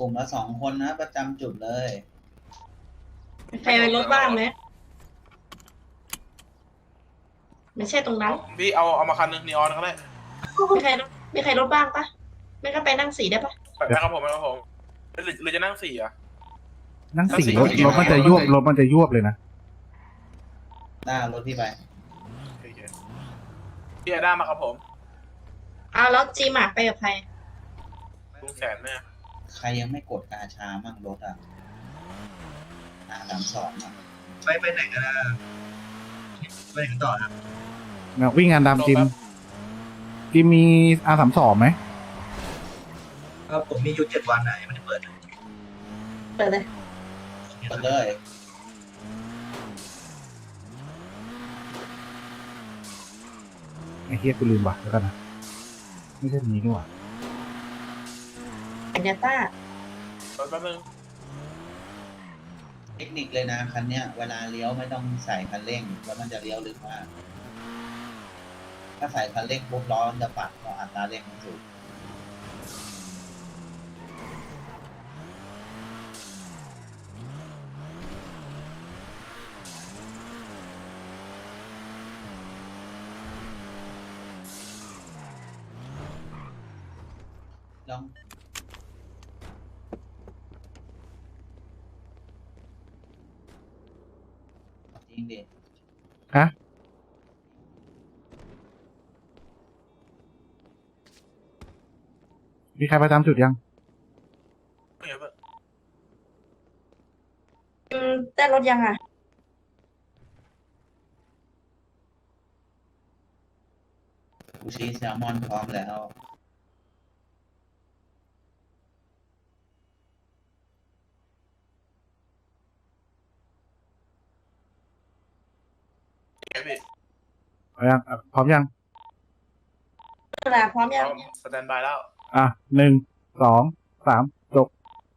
ลุ่มละ2 คนนะประจำจุดเลยใครเป็นรถบ้างไหมไม่ใช่ตรงนั้นพี่เอามาคันนึงนีออนก็ได้มีใครรถบ้างปะไม่ก็ไปนั่งสีได้ปะไปครับผมหรือจะนั่งสี่อ่ะนั่งสี่นั่งสี่รถมันจะยวบรถมันจะยวบเลยนะหน้ารถพี่ไปโอเคพี่ไอด้ามาครับผมเอาแล้วจีหมากไปกับใครลุงแสนเนี่ยใครยังไม่กดกาชามั่งรถอ่ะ32อ่ะไปไหนกันนะไปไหนกันต่อครับวิ่งงานดำจิมมีR32ไหมก็ผมมีอยู่7 วันนะยังไม่ได้เปิดเลยเปิดเลยกดเลยไอ้เฮียกูลืมว่ะแล้วกันนะไม่ใช่นี้นี่หว่าอัญญาต้าแป๊บนึงเทคนิคเลยนะคันเนี้ยเวลาเลี้ยวไม่ต้องใส่คันเร่งแล้วมันจะเลี้ยวลึกมากถ้าใส่คันเร่งปุ๊บล้อมันจะปัดเพราะอัตราเร่งมันสูงลองจริงดิฮะมีใครประจำจุดยังไม่เห็นปะได้รถยังอ่ะซูชิแซลมอนพร้อมแล้วเห็นพี่เอายังพร้อมยังเวลาพร้อมพยังร้อมสแตนบายแล้ว 1 2 3จบ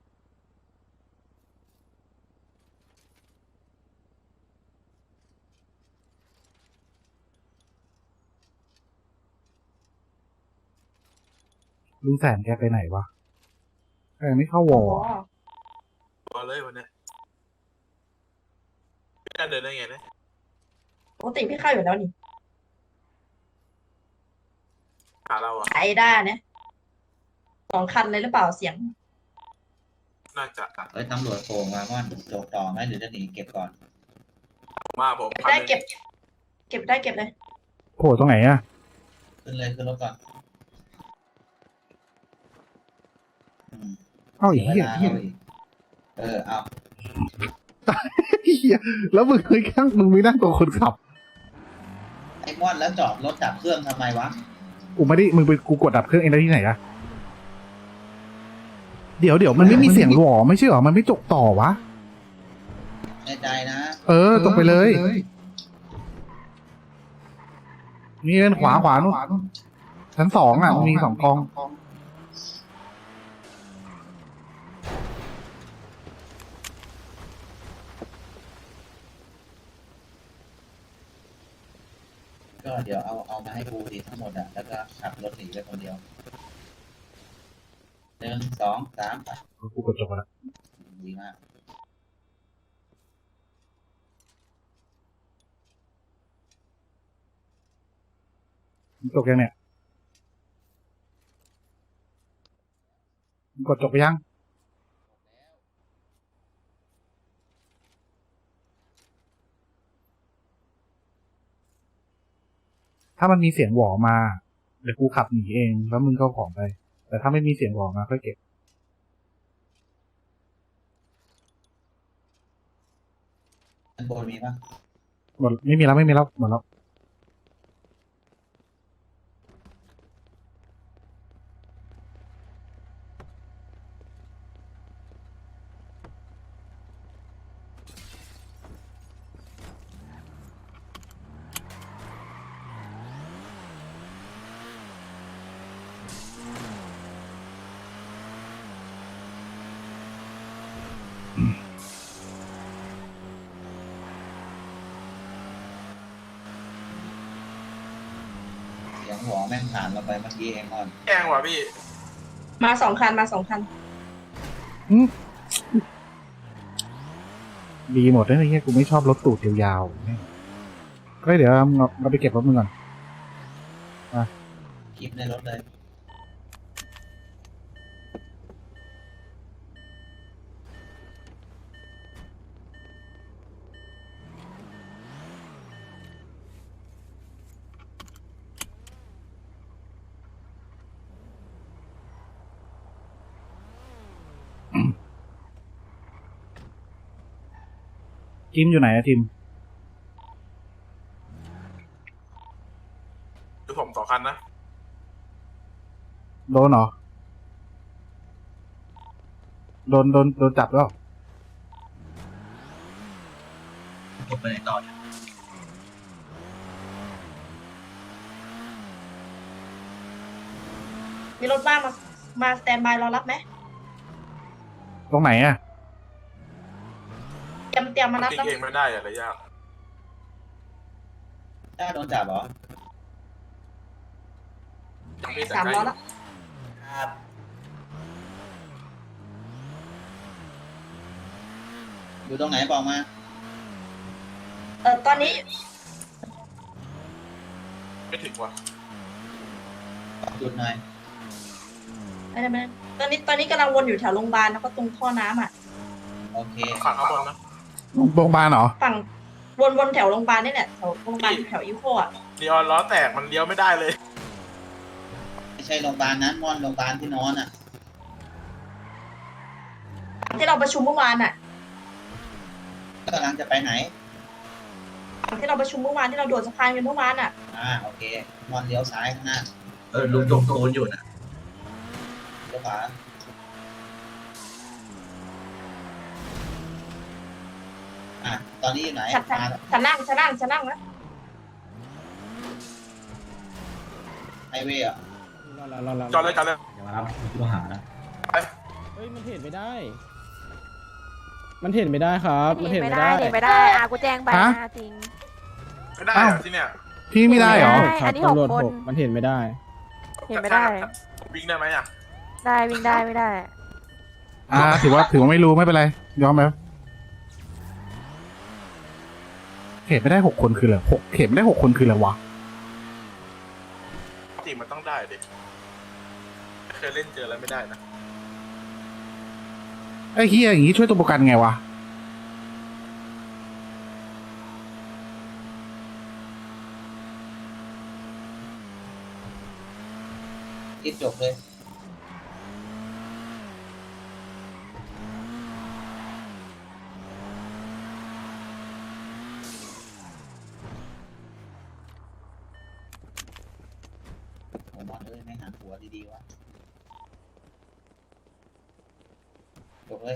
ลุงแสนแกไปไหนวะแกไม่เข้าวออ๋อตัวเลยวันเนี้ยพี่จะเดินได้ไงเนี่ยปกติพี่เข้าอยู่แล้วนี่หาเราอ่ะไอด้าเนี่ย2 คันเลยหรือเปล่าเสียงน่าจะเอ้ยตำรวจโผล่มาก่อนโจกต่อไหมหรือจะหนีเก็บก่อนมาผมเก็บได้เก็บ เก็บได้เก็บเลยโผล่ตรงไหนอะขึ้นเลยขึ้นรถก่อนอืมเอ้าเสีอียกเวเหี้ยลาเอาอีกเอาเหี้ยแล้วมึงเคยข้างมึงไม่นั่งตรงคนขับไอ้ม่อนแล้วจอดรถดับเครื่องทำไมวะกูไม่ได้มึงไปกูกดดับเครื่องเองได้ที่ไหนอะเดี๋ยวมันไม่มีเสียงหวอไม่ใช่หรอมันไม่จกต่อวะในใจนะตรงไปเลย นี่เล่นขวานู่นชั้น2อ่ะมันมี2 กองก็เดี๋ยวเอามาให้กูดีทั้งหมดอ่ะแล้วก็ขับรถหนีไปคนเดียว1 2 3ไปกูกดจบแล้วดีมากจบยังเนี่ยกดจบไปยังถ้ามันมีเสียงหวอมาเดี๋ยวกูขับหนีเองแล้วมึงก็ของไป แต่ถ้าไม่มีเสียงหวอมาค่อยเก็บอันบนมีปะหมดไม่มีแล้วหมดแล้วเสียงหัวแม่งผ่านเราไปเมื่อกี้เองม่อนแกล้งว่ะพี่มา2 คันมา2 คันอืมดีหมดเลยไอ้เหี้ยกูไม่ชอบรถตูดยาวๆเนี่ยก็เดี๋ยวเราไปเก็บรถมึงก่อนคลิปในรถเลยจิมอยู่ไหนอะจิมคือผม2 คันนะโดนเหรอ โดนจับแล้วผมไปไหนต่อเนี่ยมีรถบ้างมาสแตนบายรอรับไหมตรงไหนอะเตรียมมารับติ๊กแล้วเองไม่ได้อะไรยากถ้าโดนจับเหรอยังมีแต่ 3 ใกล้ล้อแล้วครับ อยู่ตรงไหนบอกมาตอนนี้ไม่ถึงว่ะจุดหน่อยไม่ตอนนี้กำลังวนอยู่แถวโรงพยาบาลแล้วก็ตรงท่อน้ำอ่ะโอเคฝั่งข้างบนนะโรงพยาบาลเหรอฝั่งวนแถวโรงพยาบาลนี่แหละแถวโรงพยาบาลแถวอีโคอ่ะนีออนล้อแตกมันเลี้ยวไม่ได้เลยไม่ใช่โรงพยาบาลนั้นม่อนโรงพยาบาลที่นอนอ่ะที่เราประชุมเมื่อวานอ่ะกำลังจะไปไหนที่เราประชุมเมื่อวานที่เราโดดสะพานกันเมื่อวานอ่ะโอเคม่อนเลี้ยวซ้ายข้างหน้าลุงจงโกนอยู่นะเลี้ยวขวาตอนนี้อยู่ไหนฉันนั่งนะไฮเวย์อ่ะจอดเลยอย่ามารับผู้ต้องหานะเฮ้ยมันเห็นไม่ได้ มันเห็นไม่ได้ครับ มันเห็นไม่ได้เห็นไม่ได้กูแจ้งไปฮะจริงไม่ได้เหรอที่เนี่ยพี่ไม่ได้เหรออันนี้ตำรวจ 6 คน 6มันเห็นไม่ได้เห็นไม่ได้วิ่งได้ไหมอ่ะได้วิ่งได้ไม่ได้ถือว่าไม่รู้ไม่เป็นไร ยอมไหมเขตไม่ได้6 คนคืออะไรเขตไม่ได้6 คนคืออะไรวะจริงมันต้องได้ดิเคยเล่นเจอแล้วไม่ได้นะไอ้เฮียอย่างงี้ช่วยตัวประกันไงวะคิดจบเลย ผมว่าไม่หันหัวดีๆวะจบเลย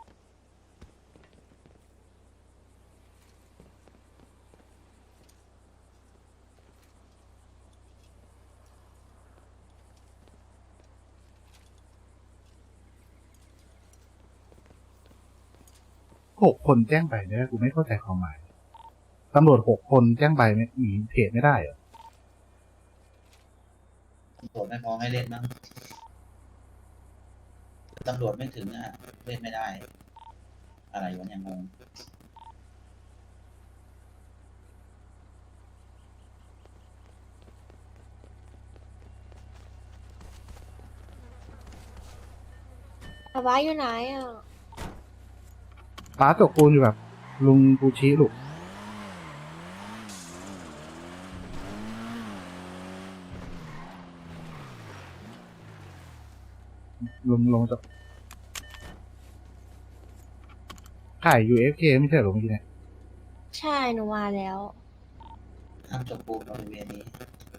6 คนแจ้งไปเนี่ยกูไม่เข้าใจความหมายตำรวจ6 คนแจ้งไปไม่หนีเขตไม่ได้เหรอตำรวจไม่พอให้เล่นมั้งตำรวจไม่ถึงเล่นไม่ได้ อะไรวะเนี่ยงงอาว้าอยู่ไหนอ่ะป้าตกปูนอยู่แบบลุงปูชิลูกลงจากไข่ UFK ไม่ใช่เหรอเมื่อกี้เนี่ยใช่หนูมาแล้วห้ามจบปูนบริเวณนี้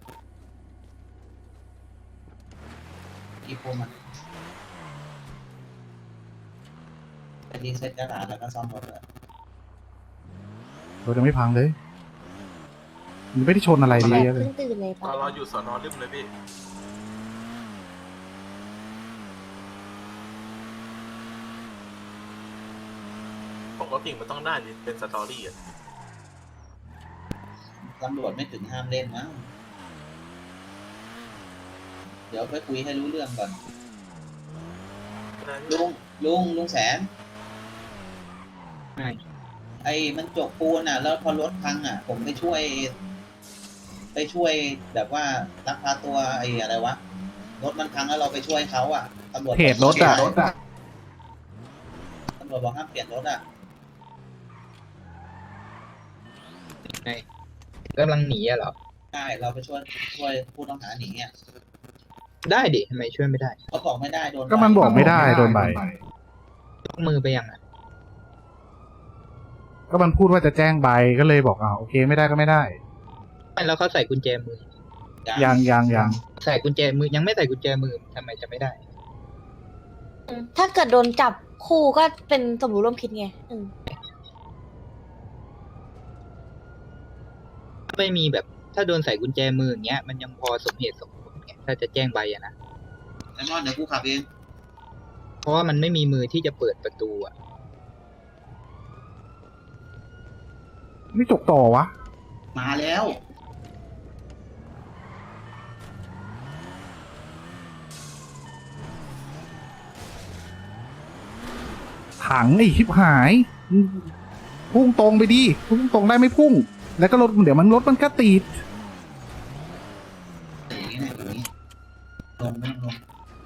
กี่ปูมันไปรีเซ็ตกระดาษแล้วก็ซ่อมรถเลยรถยังไม่พังเลยมันไม่ได้ชนอะไรดีเลยเพิ่งตื่นเลยตปะอนเราอยู่สอนอริมเลยพี่ปกติมันต้องได้ดิเป็นสตอรี่อ่ะตำรวจไม่ถึงห้ามเล่นมั้งเดี๋ยวไปคุยให้รู้เรื่องก่อนลุงแสน ไอ้มันจกปูนอ่ะ แล้วพอรถพังอ่ะ ผมไปช่วยแบบว่าลักพาตัวไอ้อะไรวะรถมันพังแล้วเราไปช่วยเขาอ่ะตำรวจเหตุรถอ่ะตำรวจบอกห้ามเปลี่ยนรถอ่ะกำลังหนีอะเหรอใช่เราไปช่วยผู้ต้องหาหนีอ่ะได้ดิทำไมช่วยไม่ได้เขาบอกไม่ได้โดนก็มันบอกไม่ได้โดนใบยกมือไปยังอ่ะก็มันพูดว่าจะแจ้งใบก็เลยบอกโอเคไม่ได้ก็ไม่ได้แล้วเขาใส่กุญแจมือยังใส่กุญแจมือยังไม่ใส่กุญแจมือทำไมจะไม่ได้ถ้าเกิดโดนจับคู่ก็เป็นสมรู้ร่วมคิดไงไม่มีแบบถ้าโดนใส่กุญแจมืออย่างเงี้ยมันยังพอสมเหตุสมผลไงถ้าจะแจ้งใบอะนะไอ้มอนเดี๋ยวกูขับเองเพราะว่ามันไม่มีมือที่จะเปิดประตูอะไม่จกต่อวะมาแล้วถังไอ้ชิบหายพุ่งตรงไปดิพุ่งตรงได้ไม่พุ่ง แล้วก็รถเดี๋ยวรถมันก็ติดอย่างนี้นะอย่างนี้ลงไม่ลง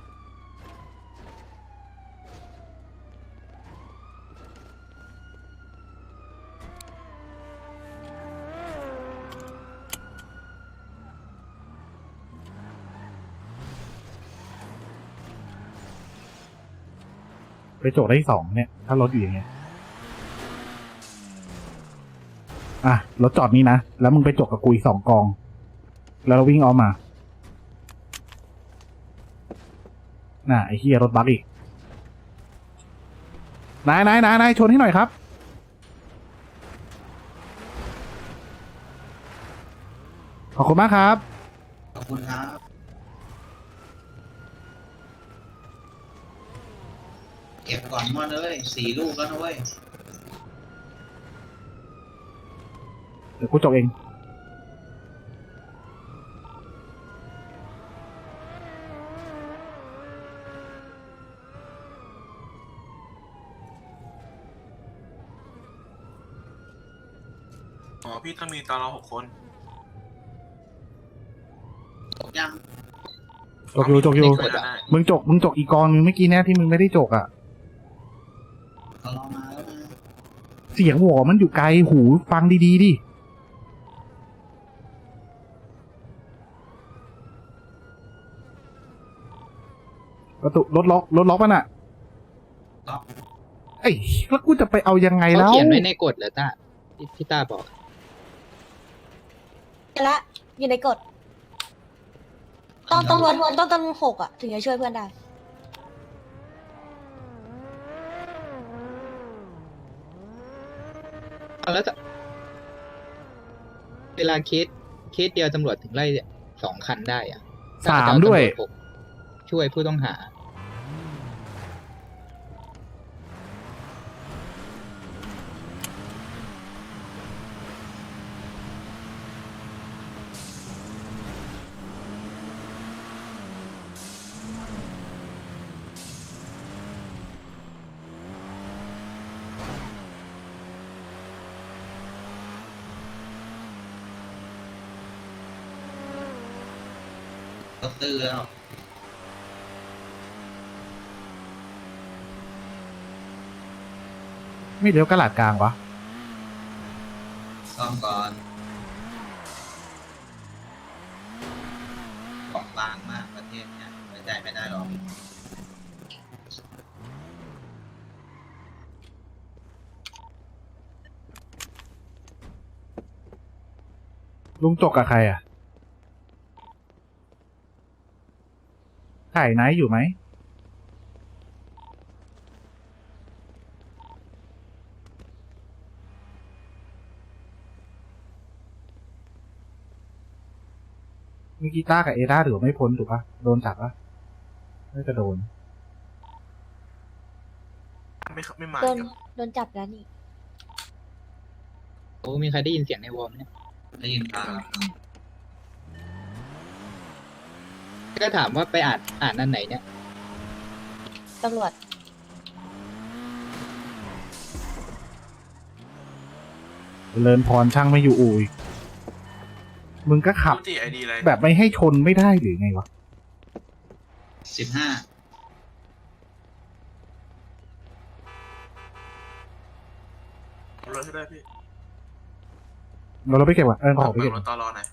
ไปจกได้2เนี่ย ถ้ารถอยู่อย่างเงี้ยรถจอดนี้นะแล้วมึงไปจกกับกูอีก2 กอง แล้วเราวิ่งออกมาไอ้เหี้ยรถบัสอีกนายชนให้หน่อยครับขอบคุณมากครับขอบคุณครับ เก็บก่อนมอนเลย4 ลูกแล้วนะเว้ยเดี๋ยวกูจกเองอ๋อพี่ต้องมีตอนเรา6 คนจบยังจกอยู่ไม่ได้มึงจกอีกกองนึงเมื่อกี้เนี่ยที่มึงไม่ได้จกเรารอมาแล้วนะเสียงหัวมันอยู่ไกลหูฟังดีๆดิประตูรถล็อกมันเอ้ยแล้วกูจะไปเอายังไงเขาแล้วเขียนไว้ในกฎเหรอต้าที่ต้าบอกละอยู่ในกฎต้อง6อ่ะ ถึงจะช่วยเพื่อนได้แล้วเวลาเคสเดียวตำรวจถึงไล่2 คันได้อะ 3 ด้วยตำรจ6ช่วยผู้ต้องหารถตื้อแล้วไม่เลี้ยวกระหลาดกลางวะซ่อมก่อนของบางมากประเทศเนี้ยไว้ใจไม่ได้หรอกลุงจกกับใครถ่ายไนท์อยู่ไหมมีกีตาร์กับเอร่าถือว่าไม่พ้นถูกปะโดนจับปะน่าจะโดนไม่มาโดนจับแล้วนี่โอ้มีใครได้ยินเสียงในวอลไหมเนี่ยได้ยินข่าวก็ถามว่าไปอ่านอันไหนเนี่ยตำรวจเลินพรช่างไม่อยู่อู่อีกมึงก็ขับกูจีไอดีเลยแบบไม่ให้ชนไม่ได้หรือไงวะ 15 รถให้ได้พี่เราไปเก็บก่อนขอไปเบิเก็กบรถตอรอหน่อย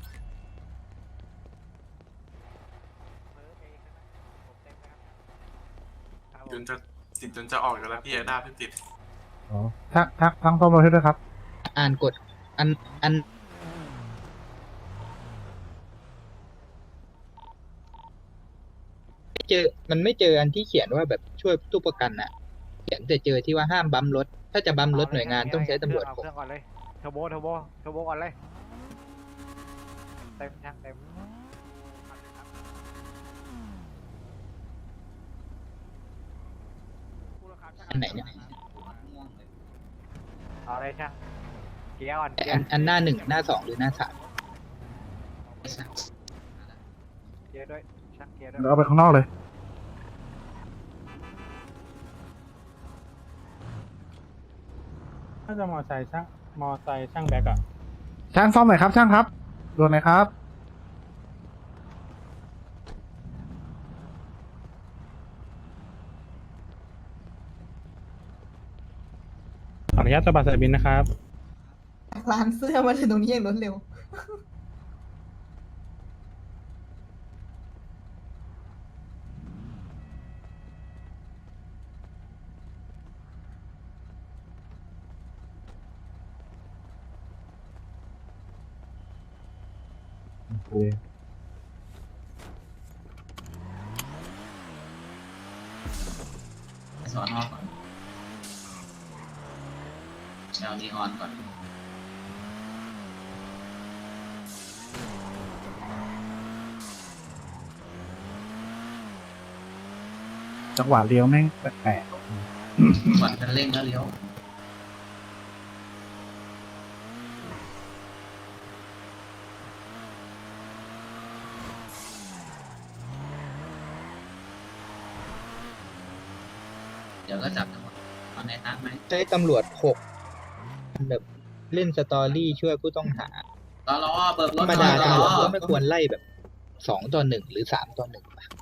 จนจะติดจนจะออกอยู่แล้วพี่ไอด้าเพิ่งติดอ๋อทั้งซ่อมรถให้ด้วยครับอ่านกฎอันไม่เจออันที่เขียนว่าแบบช่วยตู้ประกันอะเขียนแต่เจอที่ว่าห้ามบัมรถ ถ้าจะบัมรถหน่วยงานต้องใช้ตำรวจเอาผมเครื่องก่อนเลยเทอร์โบก่อนเลยเต็มช่างเต็มอันไหนเนี่ยเอาเลยช่างเกียร์ก่อนอันหน้าหนึ่งหน้าสองหรือหน้าสามเกียร์ด้วยช่างเกียร์ด้วยเราเอาไปข้างนอกเลยถ้าจะมอไซค์ช่างแบ็กอะช่างซ่อมหน่อยครับช่างครับด่วนหน่อยครับขออนุญาตตบัดสายบินนะครับร้านเสื้อมาถึงตรงนี้อย่างรวดเร็วสอนอก่อนเอานีออนก่อนจังหวะเลี้ยวแม่งแปลกก่อนจะเร่งแล้วเลี้ยวเดี๋ยวก็จับจังหวะเอาในนัดไหมใช้ตำรวจ6แบบเล่นสตอรี่ช่วยผู้ต้องหาตลอเบิกรธรถรมหน่ดาอยตตำรลวจอก็ไม่ควรไล่แบบ2-1หรือ3-1ป่ะ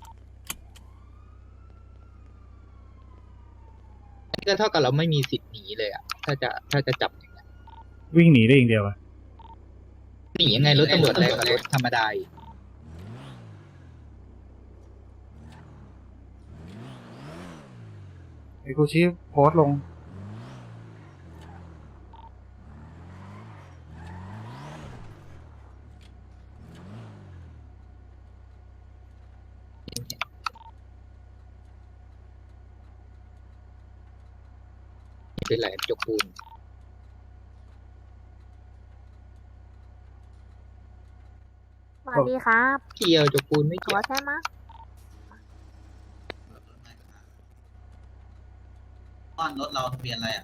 ก็เท่ากับเราไม่มีสิทธิ์หนีเลยอ่ะ ถ้าจะจับอย่างเงี้ยๆวิ่งหนีได้อย่างเดียวอะหนียังไงรถตำรวจแรงกว่ารถธรรมดาอีกไอ้กูชี้โพสต์ลงเป็นไรจกปูนสวัสดีครับเกี่ยวจกปูนไม่ขเกี่อยวใช่ไหมอ้อนรถเราทะเบียนอะไรอ่ะ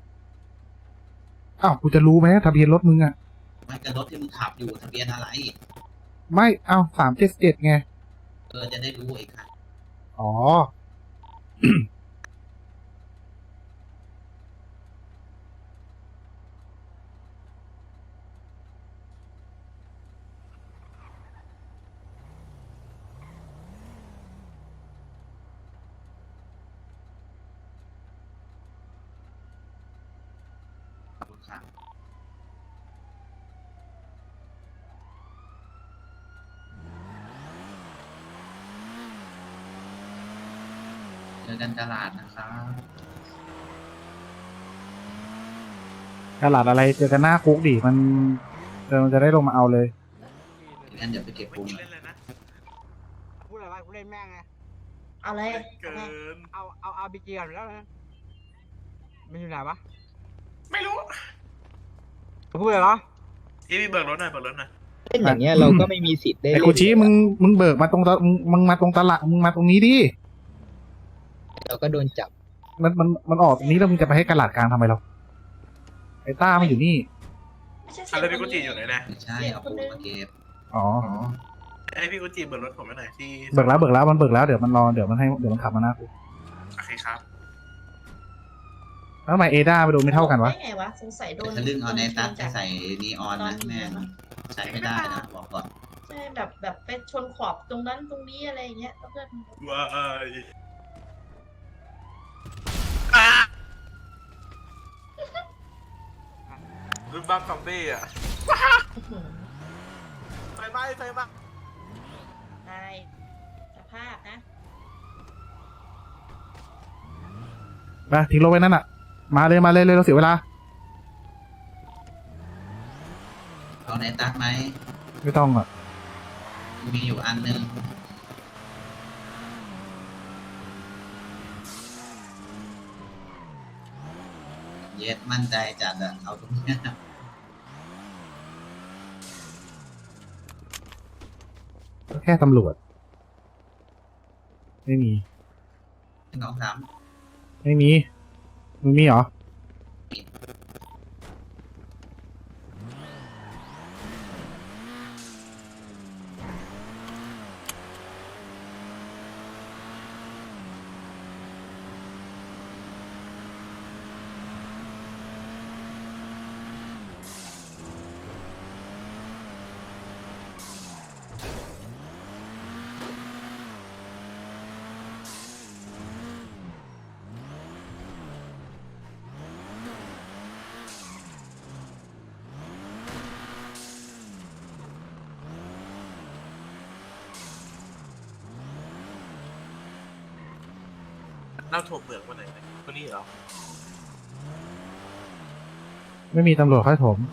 อ้าวกูจะรู้ไหมทะเบียนรถมึงอะมันจะรถที่มึงขับอยู่ทะเบียนอะไรไม่เอา377ไงจะได้รู้อีกค่ะอ๋อขอบคุณค่ะเจอกันตลาดนะครับตลาดอะไรเจอกันหน้าคุกดิมันจะได้ลงมาเอาเลยงั้นเดี๋ยวไปเก็บปูนเล่นเลยนะพูดอะไรกูเล่นแม่งไงเอาเลยเกินเอาบีจีก่อนแล้วนะมันอยู่ไหนวะไม่รู้พูดอะไรเหรอพี่เบิกรถหน่อยเบิกรถหน่อยเล่นอย่างเงี้ยเราก็ไม่มีสิทธิ์ได้ไอ้เล่นกูชี้มึงเบิกมาตรงมึงมาตรงตลาดมึงมาตรงนี้ดิเราก็โดนจับมันออกตรงนี้แล้วมึงจะไปให้กระลาดกลางทำไมเราไอ้ต้ามันอยู่นี่ไม่ใช่เสีอะยงไรพี่กุจิอยู่ไหนนะไม่ใช่เอาปูนมาเก็บอ๋อไอพี่กุจิเบิกรถผมไปหน่อยที่เบิกแล้วมันเบิกแล้วเดี๋ยวมันรอเดี๋ยวมันขับมาหน้าคุกโอเคครับไปแล้วทำไมเอด้าไปโดนไม่เท่ากันวะได้ไงวะสงสัยโดนทะลึ่งเอาในตัดโดจะนใส่นีออนนะแม่งใช้ไม่ได้นะบอกก่อนใช่แบบไปชนขอบตรงนั้นตรงนี้อะไรอย่างเงี้ยแล้วเพื่อนว้ายรุ่นบ้านซอมบี้อ่ะอื้อหือไฟไหม้ไฟไหม้ตายสภาพนะไปทิ้งรถไว้นั่นอ่ะ มาเลยเราเสียเวลาเอาในตัดไหมไม่ต้องอ่ะมีอยู่อันนึงเย็ดมั่นใจจัดอะเอาตรงเนี้ยก็แค่ตำรวจ ไม่มี 2 3 ไม่มีมึงมีเหรอเล่าถั่วเปลือกวันไหนคนนี้เหรอไม่มีตำรวจค่อยถม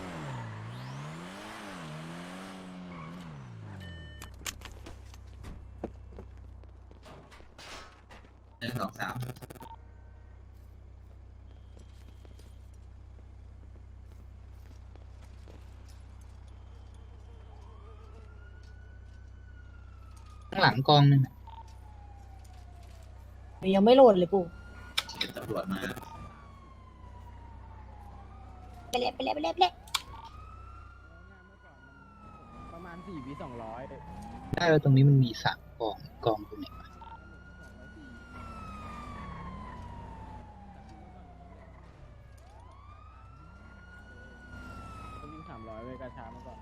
1 2 3 ข้างหลังกองนึงอะยังไม่โหลดเลยปู่เก็บตำรวจมาไปเละไปเละไปเละไปเละประมาณ4 วิ 200 ได้แล้วตรงนี้มันมี3กองตรงไหนวะวิ่ง300เว้ยกระช้ามาก่อน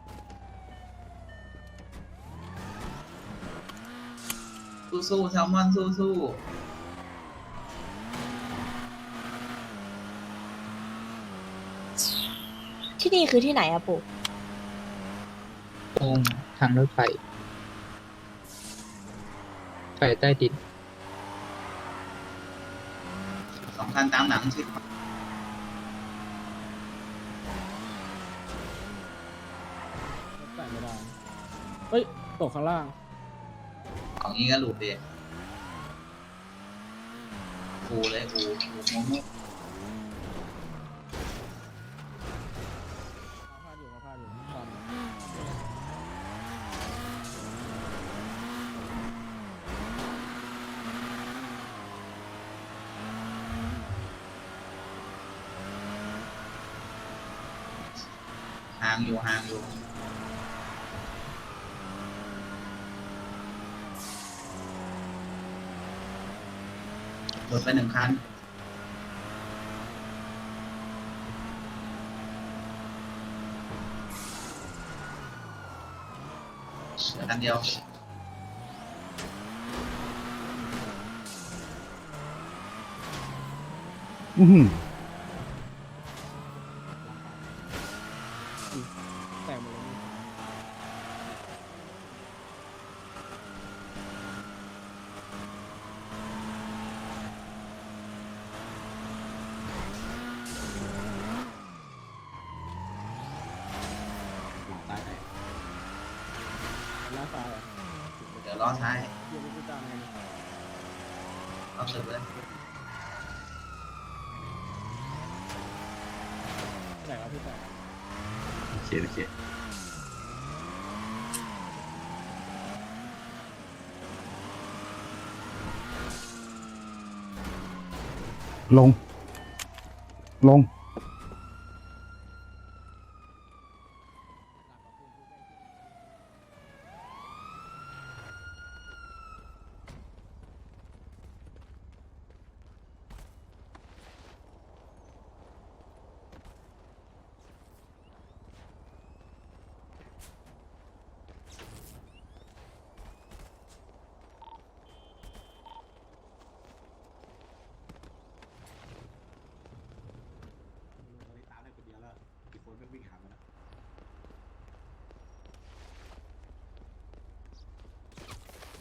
สู้ๆแซลมอนสู้ที่นี่คือที่ไหนอะปู่ตรงทางรถไฟไฟใต้ดินๆ2 คันตามหลังชิดใส่ไม่ได้ เฮ้ย ตกข้างล่างของนี้ก็หลุดดิกูเลยกูโมโมพลาดอยู่ตอนห่างอยู่หลุดไป1 คันเหลือคันเดียวอือหือแตกหมดเลยตายไปหน้าซ้ายอะเดี๋ยวล้อท้ายเดี๋ยวไปตามกันเอาสึกเลยแตกแล้วพี่แตกโอเคลง ลง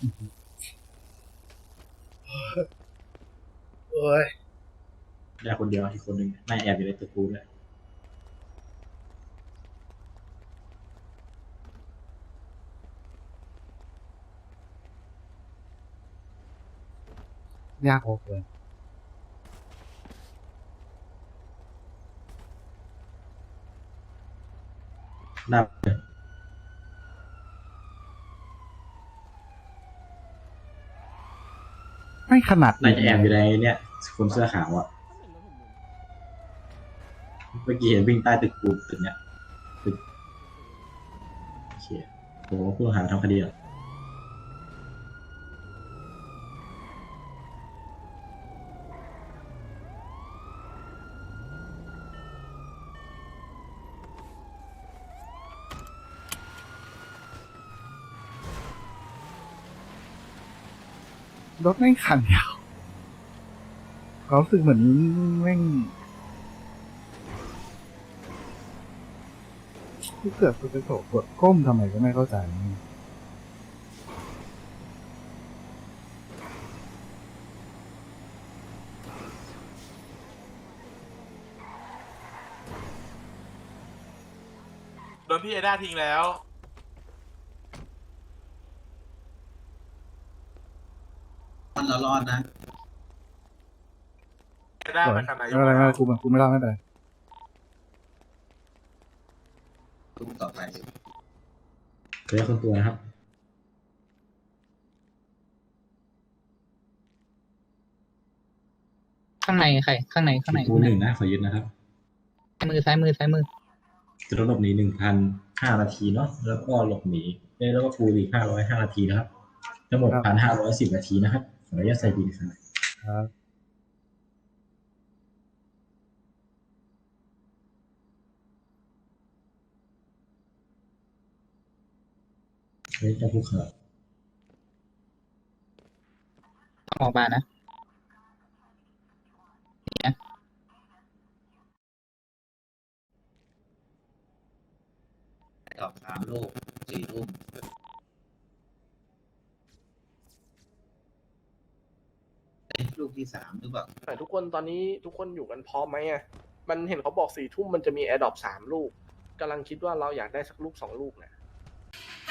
โอ้ยได้คนเดียวอีกคนหนึ่งน่าแอบอยู่ในตึกกูเลยยากโอเคน่าไม่ขนาดน่าจะแอบอยู่ในเนี่ยคนเสื้อขาวอะเมื่อกี้เห็นวิ่งใต้ตึกกูตึกเนี้ยตึกโอเคโหผู้ต้องหาทำคดีเหรอรถแม่งขันยาวเขารู้สึกเหมือนแม่งที่เกิดสุดโสกดก้มทำไมก็ไม่เข้าใจโดนพี่เอด้าทิ้งแล้วมันเรารอดนะเอด้าเป็นนายกไม่เป็นไรไม่เป็นไรกูไม่รอดไม่เป็นไรตุ้มต่อไปเคยคนตัวนะครับข้างในใครข้างในข้างในกูหนึ่งนะขอยึดนะครับซ้ายมือจะหลบหนี1,005 นาทีเนาะแล้วก็หลบหนีแล้วก็ฟูอีก505 นาทีนะครับทั้งหมด1,510 นาทีนะครับขออนุญาตใส่บินครับครับเฮ้ยจะพูดครับต้องออกมานะดอก3 ลูก 4 ทุ่มลูกที่ 3 หรือเปล่าแต่ทุกคนตอนนี้ทุกคนอยู่กันพร้อมไหมอ่ะ มันเห็นเขาบอก4 ทุ่มมันจะมีแอร์ดรอป3 ลูกกำลังคิดว่าเราอยากได้สักลูก2 ลูกเนี่ย